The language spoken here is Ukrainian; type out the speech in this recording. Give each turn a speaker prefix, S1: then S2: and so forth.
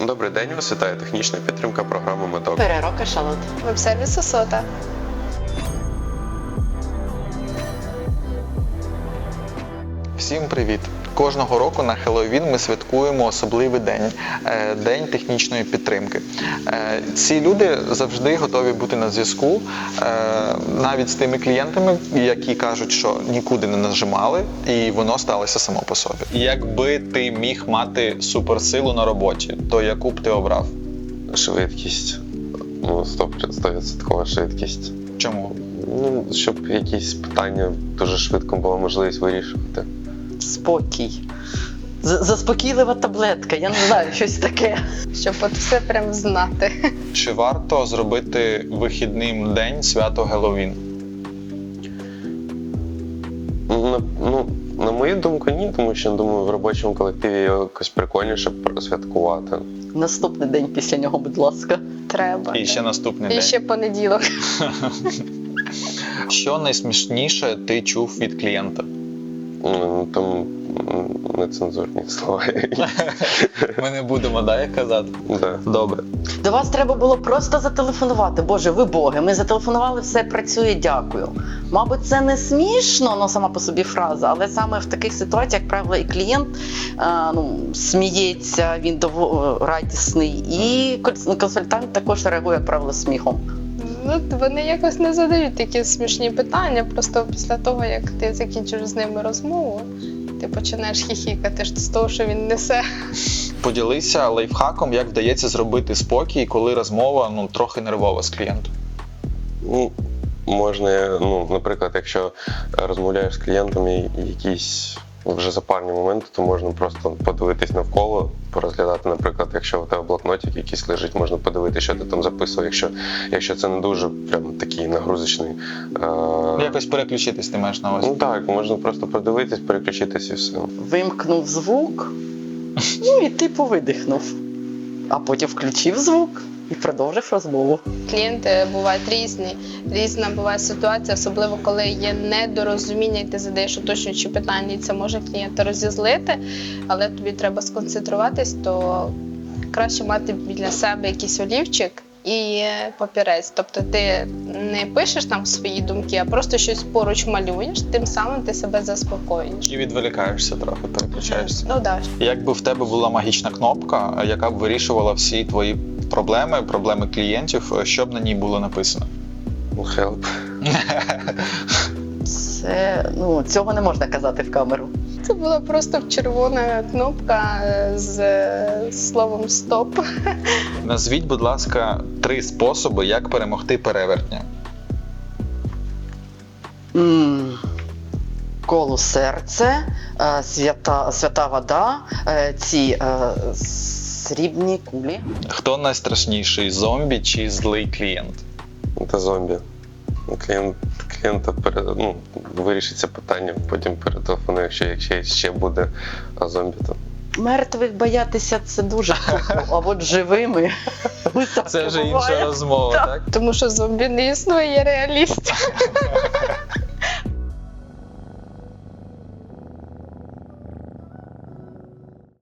S1: Добрий день, вас вітає технічна підтримка програми «Медок».
S2: Переро Кашалот.
S3: Веб-сервіс Осота.
S4: Всім привіт! Кожного року на Хеллоуін ми святкуємо особливий день – День технічної підтримки. Ці люди завжди готові бути на зв'язку, навіть з тими клієнтами, які кажуть, що нікуди не нажимали, і воно сталося само по собі. Якби ти міг мати суперсилу на роботі, то яку б ти обрав?
S1: Швидкість. 100% швидкість.
S4: Чому?
S1: Щоб якісь питання дуже швидко була можливість вирішувати.
S2: Спокій. Заспокійлива таблетка, я не знаю, щось таке.
S3: Щоб от все прям знати.
S4: Чи варто зробити вихідним день свято Геловін?
S1: На мою думку, ні, тому що, думаю, в робочому колективі якось прикольніше святкувати.
S2: Наступний день після нього, будь ласка.
S3: Треба.
S4: І ще наступний
S3: І
S4: день.
S3: ще понеділок.
S4: Що найсмішніше ти чув від клієнта?
S1: Там нецензурні слова.
S4: Ми не будемо, їх казати?
S1: Да.
S4: Добре.
S2: До вас треба було просто зателефонувати. Боже, ви боги, ми зателефонували, все працює, дякую. Мабуть, це не смішно, сама по собі фраза, але саме в таких ситуаціях, як правило, і клієнт сміється, він радісний, і консультант також реагує, як правило, сміхом.
S3: Вони якось не задають такі смішні питання, просто після того, як ти закінчиш з ними розмову, ти починаєш хіхікати з того, що він несе.
S4: Поділися лайфхаком, як вдається зробити спокій, коли розмова трохи нервова з клієнтом.
S1: Можна, наприклад, якщо розмовляєш з клієнтом і якісь вже запарні моменти, то можна просто подивитись навколо, порозглядати, наприклад, якщо у тебе блокнотик якийсь лежить, можна подивитися, що ти там записував, якщо це не дуже прям такий нагрузочний.
S4: Якось переключитись ти маєш на увазі?
S1: Так, можна просто подивитись, переключитись і все.
S2: Вимкнув звук, і типу видихнув. А потім включив звук і продовжив розмову.
S3: Клієнти бувають різні. Різна буває ситуація, особливо коли є недорозуміння, і ти задаєш уточнюючі питання, і це може клієнта розізлити, але тобі треба сконцентруватись, то краще мати біля себе якийсь олівчик і папірець. Тобто ти не пишеш там свої думки, а просто щось поруч малюєш, тим самим ти себе заспокоюєш.
S4: І відволікаєшся трохи, переключаєшся.
S3: Так.
S4: Якби в тебе була магічна кнопка, яка б вирішувала всі твої проблеми клієнтів, що б на ній було написано?
S1: Help.
S2: Це, цього не можна казати в камеру.
S3: Це була просто червона кнопка з словом «стоп».
S4: Назвіть, будь ласка, 3 способи, як перемогти перевертня.
S2: Коло серце, свята вода, ці срібні кулі.
S4: Хто найстрашніший, зомбі чи злий клієнт?
S1: Це зомбі. Клієнта вирішить це питання, потім перетелефонує, якщо ще буде, а зомбі то.
S2: Мертвих боятися – це дуже круто, а от живими
S4: Це вже інша розмова, так?
S3: Тому що зомбі не існує, є реаліст.